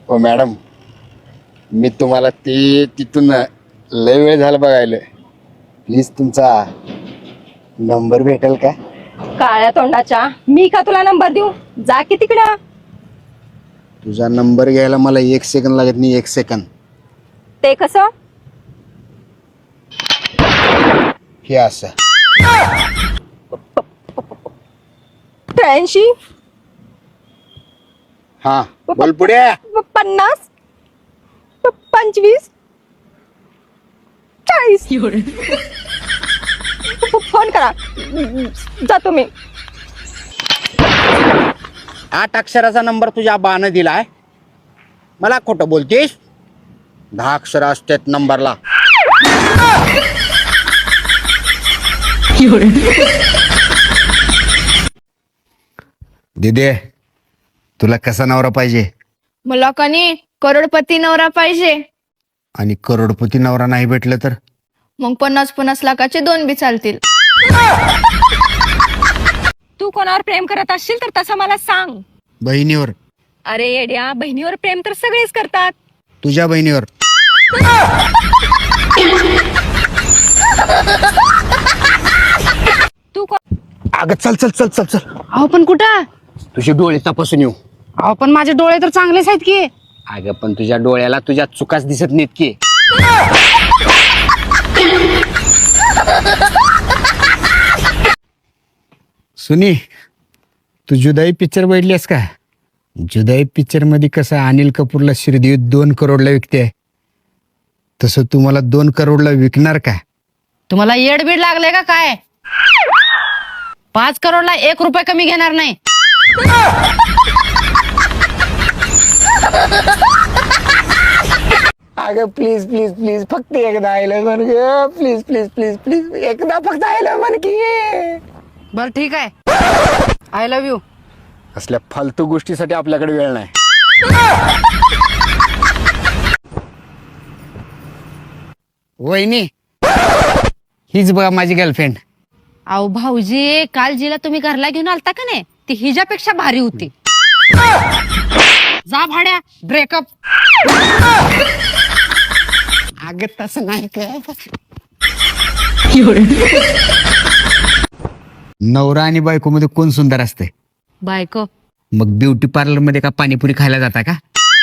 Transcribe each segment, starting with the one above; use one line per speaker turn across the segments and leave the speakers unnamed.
हो मॅडम, मी तुम्हाला ते तिथून लय वेळ झाला बघायला. प्लीज तुमचा नंबर भेटेल का?
काळ्या तोंडाच्या, मी का तुला नंबर देऊ? जा की तिकडं.
तुझा नंबर घ्यायला मला 1 सेकंद लागत नाही. 1 सेकंद.
ते कसं?
हे असं.
83
हा बोल पुढे.
50 25 40. फोन करा, जातो मी.
8 अक्षराचा नंबर तुझ्या बानं दिलाय. मला खोटं बोलतेस? 10 अक्षर असतात नंबरला. दिदे, तुला कसा नवरा पाहिजे?
मला कनी करोडपती नवरा पाहिजे.
आणि करोडपती नवरा नाही भेटलं तर?
मग 50-50 लाखाचे 2 बी चालतील.
तू कोणावर प्रेम करत असशील तर तसं मला सांग.
बहिणीवर.
अरे येड्या, बहिणीवर प्रेम तर सगळेच करतात.
तुझ्या बहिणीवर.
तू
अगं चल चल चल चल चल.
अहो पण कुठं?
तुझे डोळे तपासून येऊ.
अहो पण माझे डोळे तर चांगलेच आहेत की.
अगं पण तुझ्या डोळ्याला तुझ्या चुकाच दिसत नाहीत की. सुनी, तू जुदाई पिक्चर बघितलीस का? जुदाई पिक्चर मध्ये कसं अनिल कपूरला श्रीदेवी 2 करोडला विकते, तसं तू मला 2 करोडला विकणार का?
तुम्हाला येडबीड लागले का काय? 5 करोडला 1 रुपया कमी घेणार नाही.
अगं प्लीज प्लीज प्लीज फक्त एकदा आयलं म्हण ग. प्लीज प्लीज प्लीज प्लीज एकदा फक्त आयलं म्हण की.
बर ठीक आहे, आय लव्ह यू.
असल्या फालतू गोष्टीसाठी आपल्याकडे वेळ नाही. वहिनी, हीच बघा माझी गर्लफ्रेंड.
अहो भाऊजी, काल जिला तुम्ही घरला घेऊन आलता का नाही, ती हिच्यापेक्षा भारी होती. जा भाड्या, ब्रेकअप.
अगं तसं नाही का. नवरा आणि बायको मध्ये कोण सुंदर असते?
बायको.
मग ब्युटी पार्लर मध्ये का पाणीपुरी खायला जाता का?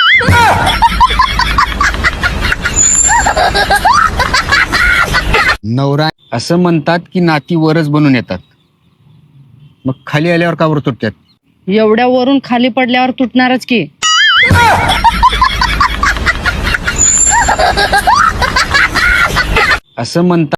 नवरा असं म्हणतात की नाती वरच बनून येतात, मग खाली आल्यावर का वर तुटतात?
एवढ्या वरून खाली पडल्यावर तुटणारच की.
असं म्हणतात